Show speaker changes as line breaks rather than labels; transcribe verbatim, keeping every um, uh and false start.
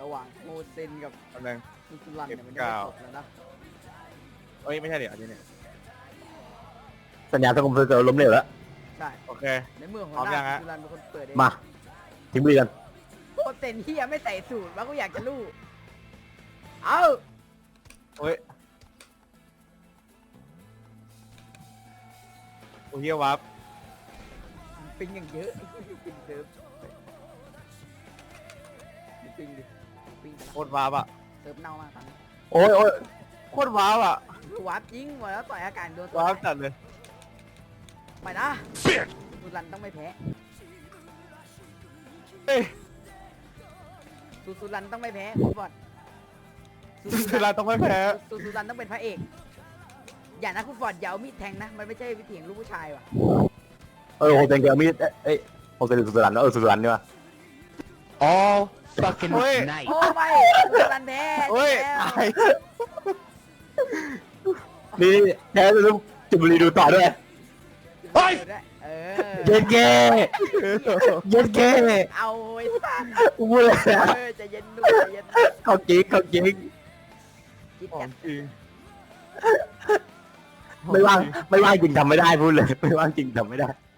ระหว่างโมเซนกับ
กำลัง
ซูซูรันเนี่ยมันได้จบแล้วนะ
เอ้ยไม่ใช่เดี๋ยวอันนี้เนี่ย
สัญญาสังคมเจอล้มเหลวแล้ว
ใช่
โอเค
ในเมื่อหัว
พร้อม
ห
ยั
น้าง
ฮะ
ซูซูรันเป็นคนเปิดเอง
มาทิ้งบุรีกัน
โมเซนเฮียไม่ใส่สูตรว่ากูอยากจะรู้เอา
โอ้ยโอ้ยเฮียวับ
ปิงอย่างเยอะปิงเซิร์ฟปิงดิปิง
โคตรวับอ่ะ
เซิร์ฟเน่ามากตอนนี้
โอ้ยโอ้ย
โคตรวับอ่ะ
วับยิงหมดแล้วต่อยอากาศโดน
วับจัดเลย
ไปนะซูซูรันต้องไม่แพ้
เฮ้ย
ซูซูรันต้องไม่แพ้คุณบอล
สุดาต้องไม่แพ้
ซูซูรันต้องเป็นพระเอกอย่านะคุณฟอร์ดอย่าเอามีดแทงนะมันไม่ใช่วิถีของลูกผู้ชายว่ะ
เออโฮเซนเกลมีดเอ้ยโฮเซนสุสรันเออสุสรันนี่วะ
All fucking
เฮ้ย
night.
โอ้ไม่ซูซูรันแพ้
เฮ้ย
แล้ว
ตาย
นี่แพ้แล้วจุบุรีดูต่อด้วย
เฮ้ยเออ
เย็นเก้เย็นเก้
เอาไอ้สัตว์
กูพูดเลยนะ
เออใจะเย็นดูใจเย็น
เขาจริงเขาจริง
คิด
ขอ
กั
ง
น
จริง
ไม่ว่างไม่ว่างจริงทำไม่ได้พูดเลยไม่ว่างจริงทำไม่ได้